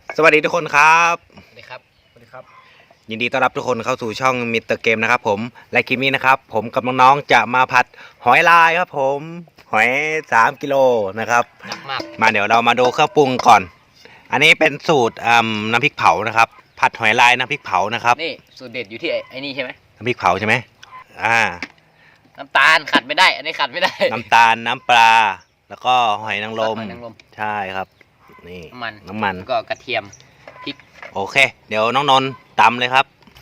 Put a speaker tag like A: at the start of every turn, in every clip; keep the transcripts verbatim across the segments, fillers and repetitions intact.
A: สวัสดีทุกคนครับ
B: สวัสดีครับสวัสดีครับ
A: ยินดีต้อนรับทุกคนเข้าสู่ช่องมิสเตอร์เกมนะครับผมและคลิปนี้นะครับผมกับน้องๆจะมาผัดหอยลายครับผมหอยสามกิโลนะครับ
B: หนักมาก
A: มาเดี๋ยวเรามาดูเครื่องปรุงก่อนอันนี้เป็นสูตรน้ำพริกเผานะครับผัดหอยลายน้ำพริกเผานะครับ
B: นี่สูตรเด็ดอยู่ที่ไอ้นี่ใช่ไหม
A: น้ำพริกเผาใช่ไหมอ่า
B: น้ำตาลขัดไม่ได้อันนี้ขัดไม่ได้
A: น้ำตาลน้ำปลาแล้วก็หอยนางรม
B: หอยนางรม
A: ใช่ครับนี่
B: น้ำมัน
A: น้ำมัน
B: ก็กระเทียมพริก
A: โอเคเดี๋ยวน้องนนท์ตำเลยครับ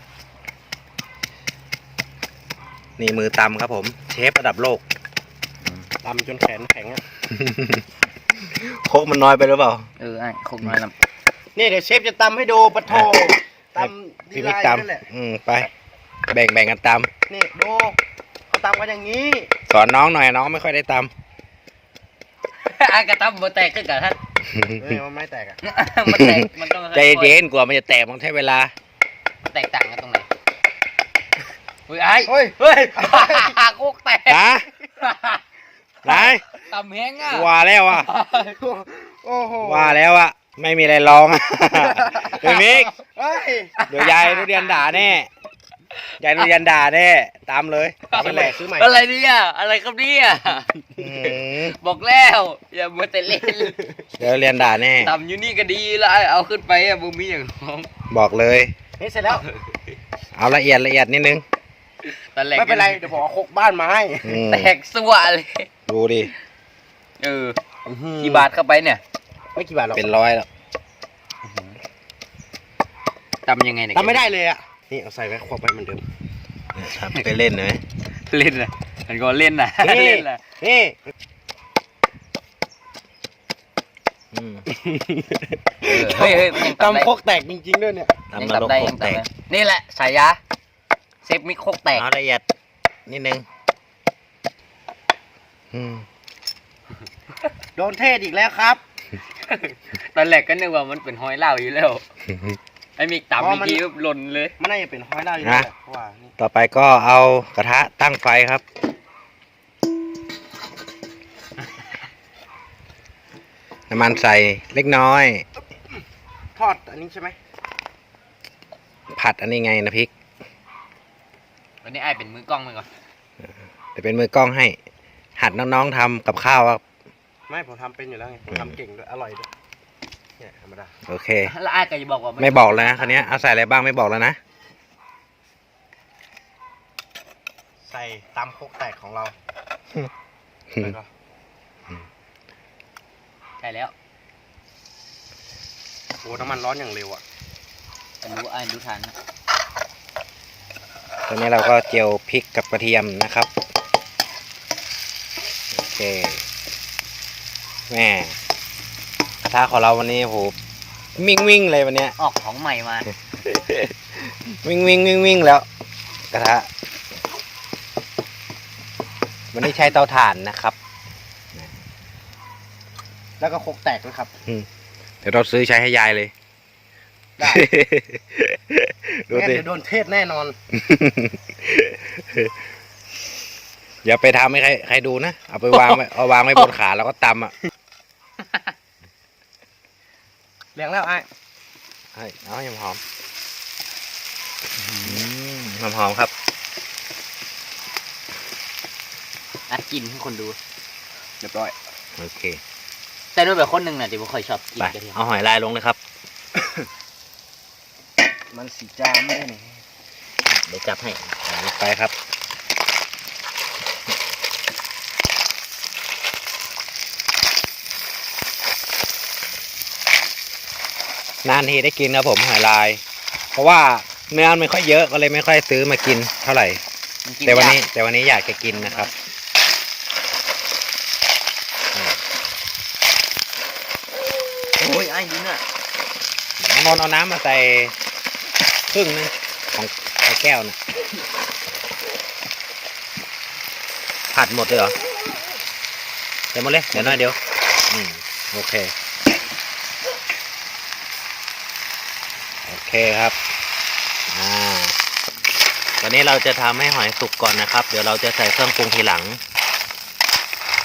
A: นี่มือตำครับผมเชฟระดับโลก
C: ตำจนแขนแข็งอ่ะ
A: โคกมันน้อยไปหรือเปล่า
B: เออไอ้คงน้อยล
C: ำนี่เดี๋ยวเชฟจะตำให้ดูปะโถตำ
A: พี่มิกตำอืมไปแบ่งแบ่งกันต
C: ำนี่ดูเขาตำกันอย่างนี้
A: ำสอนน้องหน่อยน้องไม่ค่อยได้ต
B: ำไอ้กระตั้มมันแตกขึ้นกับท่าน
C: เฮ้ยมันไม่แตกอ่ะ
B: มันแตกมันต้อง
A: ใจเย็นกว่ามันจะแตกมันใช้เวลา
B: มันแตกต่างกันตรงไหนเฮ้ยไอ้
C: เฮ้ย
B: เฮ้ยโคกแตก
A: นะไหน
B: ตำแห้งอ่ะ
A: ว่าแล้วอ่ะ
C: โอ้โห
A: ว่าแล้วอ่ะไม่มีอะไรร้องพี่มิกเดี๋ยวยายทุเรียนด่าแน่ยายทุเรียนด่าแน่ตามเลย
C: ซื้อใหม่ซื้อใหม่
B: อะไรเนี่ยอะไรครับเนี่ยบอกแล้วอย่ามัวแต่เล่น
A: เดี๋ยวเรียนด่าแน่
B: ตำอยู่นี่ก็ดีแล้วเอาขึ้นไปอ่ะบุมีอย่างน้อง
A: บอกเลย
C: นี่เสร็จแล้ว
A: เอาละเอียดละเอียดนิดนึง
C: ไม่เป็นไรเดี๋ยวผมเอาโคกบ้านมาให้
B: แตกสัวเลย
A: ดูดิ
B: เออกี่บาทเข้าไปเนี่ย
C: ไม่กี่บาทหรอก
A: เป็นร้อยแล้ว
B: ทำยังไงเนี่ย
C: ทำไม่ได้เลยอ่ะนี่เอาใส่ไว้ควบไปเหมือนเดิม
A: ครับไปเล่นเลย
B: เล่นเลยมันก็เล่นนะ
C: เล่นนะนี่
B: เฮ้ย
C: ตำโคกแตกจริงๆด้วยเนี่ย
A: ตำนรกโคกแตก
B: นี่แหละสายยาเซฟมิโคกแตก
A: เอาละเอียดนิดนึง
C: โดนเทศอีกแล้วครับ
B: ตอนแรกก็นึกว่ามันเป็นหอยเล่าอยู่แล้วไอ้มีตำมีกี้หล่นเลย
C: มันน่าจะเป็นหอยเล่าอยู่แล้วว่า
A: ต่อไปก็เอากระทะตั้งไฟครับน้ำมันใส่เล็กน้อย
C: ทอดอันนี้ใช่ไหม
A: ผัดอันนี้ไงนะพริก
B: วันนี้ไอ้เป็นมือกล้องไปก่อน
A: เดี๋ยวเป็นมือกล้องให้หัดน้องๆทำกับข้าวครับ
C: ไม่ผมทำเป็นอยู่แล้วไงผมทำเก่งด้วยอร่อยด้วยเนี่ยธรรมดา
A: โอเค
B: แล้วไอ้ก็จะบอกว่า
A: ไม่บอกแล้วนะคราวนี้เอาใส่อะไรบ้างไม่บอกแล้วนะ
C: ใส่ตำโคกแตกของเรา
B: ใช่แล้ว
C: โอ้น้ำมันร้อนอย่างเร็วอ่ะ
B: รู้ไอ้รู้ทัน
A: ตอนนี้เราก็เจียวพริกกับกระเทียมนะครับโอเคแม่กระทะของเราวันนี้โหวิ่งวิ่งเลยวันนี้
B: ออกของใหม่มา
A: วิ่งวิ่งวิ่งวิ่งแล้วกระทะวันนี้ใช้เตาถ่านนะครับ
C: แล้วก็โคกแตกด้วยครับ
A: เดี๋ยวเราซื้อใช้ให้ยายเลย
C: ได้เดี๋ยวโดนเทศแน่นอน
A: อย่าไปทำให้ใครใครดูนะเอาไปวางไว้เอาวางไว้บนขาแล้วก็ตำอ่ะ
C: เลี้ยงแล้วไอ้
A: เอาให้หอมหอมหอมครับ
B: นัดกินให้คนดู
C: เรียบร้อย
A: โอเค
B: แต่ด้วยแบบคนหนึ่งน่ะที่ผมเคยชอบกินกระเทียม
A: เอาหอยลายลงเลยครับ
C: มันสีจามได้เนี่ย
B: เดี๋ยวจับให้
A: ลงไปครับนานทีได้กินครับผมหอยลายเพราะว่าเนื้อไม่ค่อยเยอะก็เลยไม่ค่อยซื้อมากินเท่าไหร่แต่วันนี้แต่วันนี้อยากจะกินนะครับ
B: โอ้ยไอ้ดินอ่ะ
A: นอนเอาน้ำมาใส่ครึ่งนึงของไอ้แก้วนะผัดหมดเลยเหรอเดี๋ยวหมดเลยเดี๋ยวน้อยเดี๋ยวอืมโอเคโอเคครับอ่าตอนนี้เราจะทำให้หอยสุกก่อนนะครับเดี๋ยวเราจะใส่เครื่องปรุงทีหลัง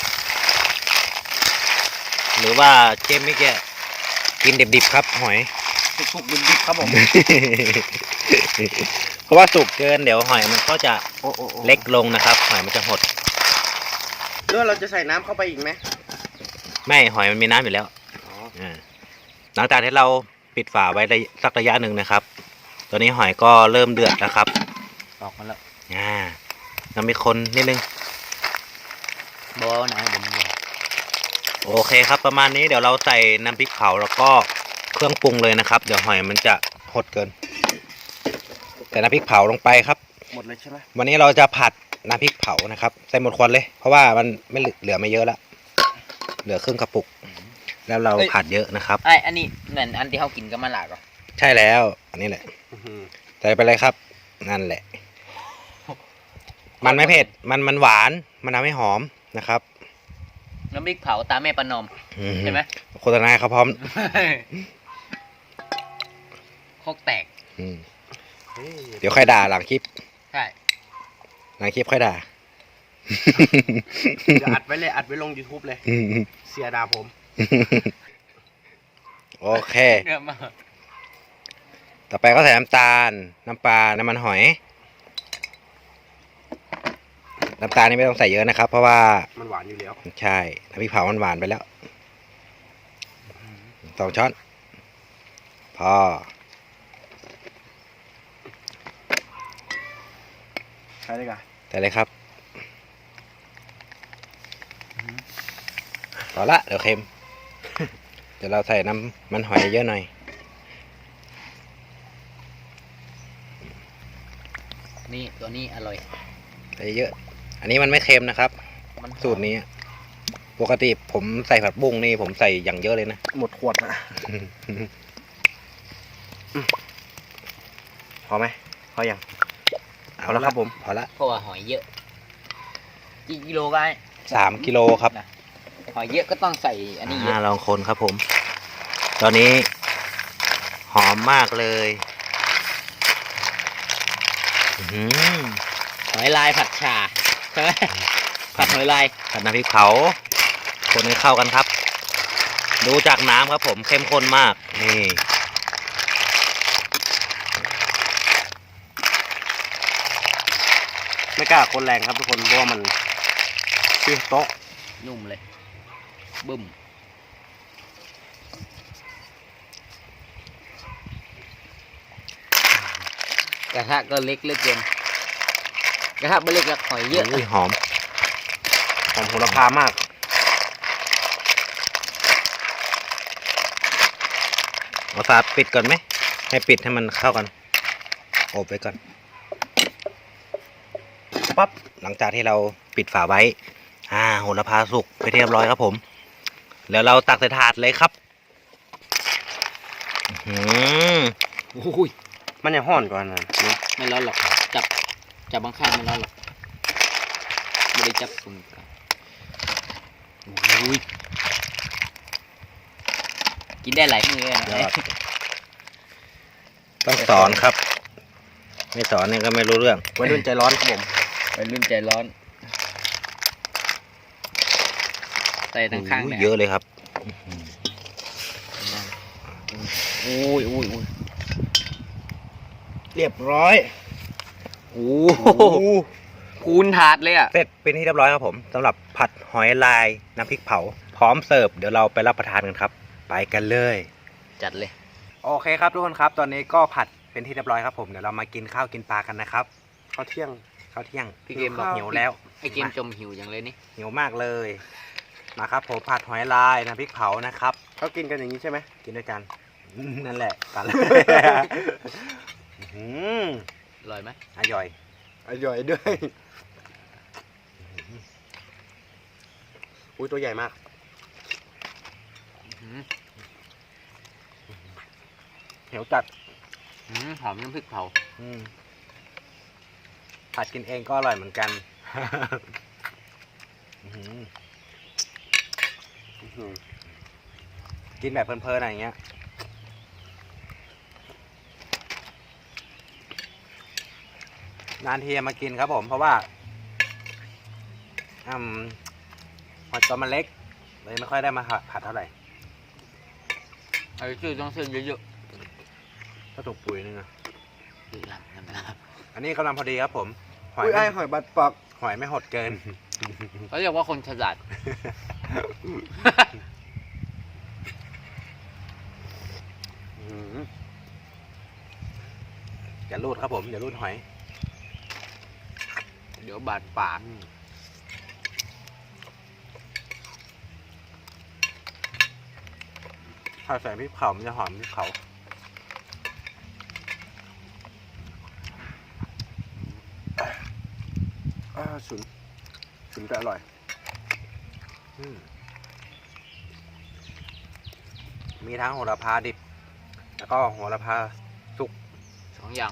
A: หรือว่าเจมไม่แกกินดิบๆครับหอย
C: สุกๆดิบๆครับผม
A: เพราะว่าสุกเกินเดี๋ยวหอยมันก็จะ
C: โอ้โอ้โอ้
A: เล็กลงนะครับ หอยมันจะหด
C: เรื่องเราจะใส่น้ำเข้าไปอีกไหม
A: ไม่หอยมันมีน้ำอยู่แล้ว
C: อ๋อ
A: อ่าหลังจากที่เราปิดฝาไว้ได้สักระยะหนึ่งนะครับ ตอนนี้หอยก็เริ่มเดือดแล้วครับ
B: ออกมาแล้ว
A: อ่าเรามีคนนิดนึง
B: บอนะเดี๋ยวมัน
A: โอเคครับ ประมาณนี้เดี๋ยวเราใส่น้ำพริกเผาแล้วก็เครื่องปรุงเลยนะครับ เดี๋ยวหอยมันจะหดเกินใส่น้ำพริกเผาลงไปครับ
C: หมดเลยใช่ไหม
A: วันนี้เราจะผัดน้ำพริกเผานะครับใส่หมดควันเลย เพราะว่ามันไม่เหลือเหลือไม่เยอะละเหลือครึ่งกระปุก แล้วเราผัดเยอะนะครับ
B: ไอ้อันนี้เหมือนอันที่เขากินกับมะละก่อ
A: ใช่แล้วอันนี้แหละ
C: อื้อหือ
A: ใส่ไปเลยครับ นั่นแหละ มันไม่เผ็ดมันมันหวานมันทำให้หอมนะครับ
B: น้ำพริกเผาตาแม่ประนอม
A: อื
B: ใช่ไหม
A: โฆษณาเขาพร้อม
B: โคกแตก
A: อืม
C: เฮ้ย
A: เดี๋ยวค่อยด่าหลังคลิป
B: ใช่
A: หลังคลิปค่อยด่า
C: เดี๋ยวอัดไว้เลยอัดไว้ลง YouTube เลย เสียดาผม
A: โอเค
B: เนื้อมา
A: ต่อไปก็ใส่น้ำตาล น้ำปลา น้ำมันหอย น้ำตาลนี่ไม่ต้องใส่เยอะนะครับ เพราะว่า
C: มันหวานอยู่แล้ว
A: ใช่น้ำพริกเผามันหวานไปแล้วสองช้อนพอ
C: ใช่เลยกัน
A: ใส่เลยครับพอละเดี๋ยวเค็ม เดี๋ยวเราใส่น้ำมันหอยเยอะหน่อย
B: นี่ตัวนี้อร่อย
A: ใส่เยอะ อันนี้มันไม่เค็มนะครับ
B: มันหอม
A: สูตรนี้ ปกติผมใส่ผัดบุ้งนี่ผมใส่อย่างเยอะเลยนะ
C: หมดขวดนะพอไหมพอยัง เอาแล้วครับผม
A: พอละ
B: เพราะว่าหอยเยอะกี่กิโลกัน
A: สามกิโลครับ
B: หอยเยอะก็ต้องใส่อันนี้เย
A: อ่า
B: อะ
A: ลองคนครับผม ตอนนี้หอมมากเลยอื้อหือ
B: หอยลายผัดชาใช่ไหมผัดหอยลาย
A: ผัดน้ำพริกเผา คนให้เข้ากันครับ ดูจากน้ำครับผมเข้มข้นมาก นี่
C: ไม่กล้าคนแรงครับทุกคน เพราะว่ามันชื่อโต๊ะ
B: นุ่มเลยบึ้มกระทะก็เล็กเหลือเกินกระทะไม่เล็กแล้วหอยเยอะ
A: อุ้ยหอม
C: หอมโหระพามาก
A: เอาฝาปิดก่อนไหม ให้ปิดให้มันเข้ากัน โอบไว้ก่อน ปั๊บ หลังจากที่เราปิดฝาไว้ อ่า โหระพาสุกไปเรียบร้อยครับผม แล้วเราตักใส่ถาดเลยครับอื้อหือ
B: โอ้ย
C: มันยังห่อนกว่านั้นนี่
B: ไม่ร้อนหรอกจับจับบางข้างไม่ร้อนหรอกไม่ได้จับคุณโอ้ยกินได้หลายมือเลยนะ
A: ยอด ต้องสอนครับ ไม่สอนเนี่ยก็ไม่รู้เรื่อง
C: วัยรุ่นใจร้อนครับผม
B: ไปรุ่นใจร้อนใส่ทั้งข้าง
A: โอ้
B: เลย
A: เยอะเลยครับ
B: โอ้ยโอ้ยโอ้ย
C: เรียบร้อย
A: โอ้
C: โอ้โห
B: คูณถาดเลยอ่ะ
A: เสร็จเป็นที่เรียบร้อยครับผมสำหรับผัดหอยลายน้ำพริกเผา พร้อมเสิร์ฟเดี๋ยวเราไปรับประทานกันครับ ไปกันเลย
B: จัดเลย
A: โอเคครับทุกคนครับ ตอนนี้ก็ผัดเป็นที่เรียบร้อยครับผมเดี๋ยวเรามากินข้าวกินปลากันนะครับ
C: ข้าวเที่ยง
A: ข้าวเที่ยง
B: พี่เกมบอก
A: หิวแล้ว
B: ไอเกมจมหิวอย่างเลยนี่
A: หิวมากเลยมาครับผมผัดหอยลายน้ำพริกเผานะครับ
C: เขากินกันอย่างนี้ใช่ไหม
A: กินด้วยกัน นั่นแหละกัน อืม
B: อร่อยไหม
A: อร่อย
C: อร่อยด้วย อุ้ยตัวใหญ่มาก
B: อื้อ
A: เหนียวจัด
B: หือหอมน้ำพริกเผา
A: อืมผัดกินเองก็อร่อยเหมือนกัน อื้อหือ
C: อื้อหือ
A: กินแบบเพลินๆอะไรอย่างเงี้ยนานทีจะมากินครับผม เพราะว่าอืมหอยตัวมันเล็กเลยไม่ค่อยได้มาผัดเท่าไหร่
B: ไอ้ชื่อต้องเส้นเยอะ
A: ถ้าถูกปุ๋ยนึงอะ
B: หรือลำน้ำลา
A: อันนี้กำลังพอดีครับผมหอย
C: อุ้ยไอ้
A: ไม่
C: หอยบัดปัก
A: หอยไม่หดเกิน
B: เขาเรียกว่าคนฉลาด
A: อืมอย่ารูดครับผมอย่ารูดหอย
B: เดี๋ยวบาดปาก
A: ถ้าใส่พริกเผามันจะหอมพริกเผา
C: อ่าฉุนฉุนแต่อร่อย
A: อืมมีทั้งโหระพาดิบ แล้วก็โหระพาสุก
B: สองอย่าง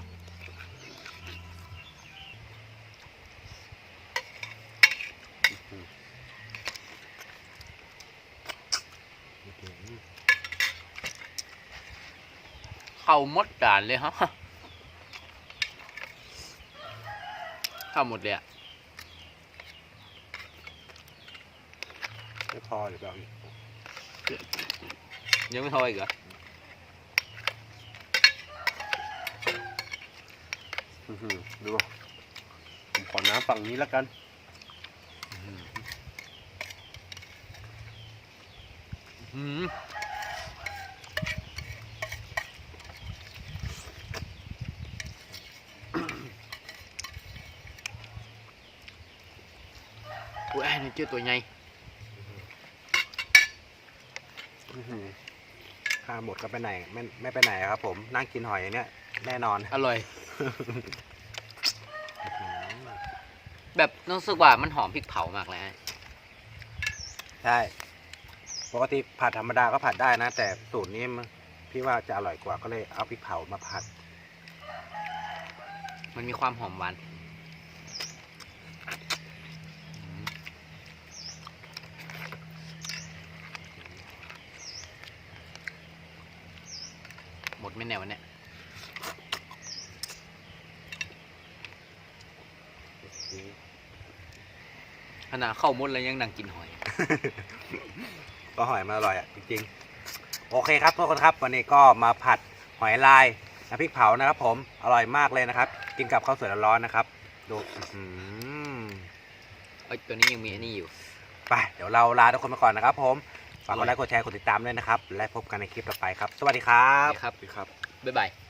B: เข้าหมดจานเลยฮะเข้าหมดเลยอะ
A: ไม่พอหรือเปล่า
B: ยังไม่พออีกเหรอ
C: อื้อหือดูผมขอน้ำฝั่งนี้แล้วกัน
B: อืมอุ้ยไอ้นี่เจอตัวใหญ่
C: อื้อหือ
A: ถ้าหมดก็ไปไหนไม่ไม่ไปไหนครับผมนั่งกินหอยอย่างเนี้ยแน่นอน
B: อร่อย แบบรู้สึกว่ามันหอมพริกเผามากเลยนะ
A: ใช่ปกติผัดธรรมดาก็ผัดได้นะ แต่สูตรนี้มันพี่ว่าจะอร่อยกว่าก็เลยเอาพริกเผามาผัด
B: มันมีความหอมหวานหมดไม่แน่วันเนี้ยขนาดเข้าหมดแล้วยังนั่งกินหอย
A: ก็หอยมันอร่อยอ่ะจริงๆโอเคครับทุกคนครับวันนี้ก็มาผัดหอยลายน้ำพริกเผานะครับผมอร่อยมากเลยนะครับ กินกับข้าวสวยร้อนๆนะครับดูอื้อหือ
B: เอ้ยตัวนี้ยังมีอันนี้อยู่
A: ไปเดี๋ยวเราลาทุกคนไปก่อนนะครับผมฝากกดไลค์กดแชร์กดติดตามด้วยนะครับและพบกันในคลิปต่อไปครับ สวัสดีครับ
B: นี่ครับ
C: ครับ
B: บ๊ายบาย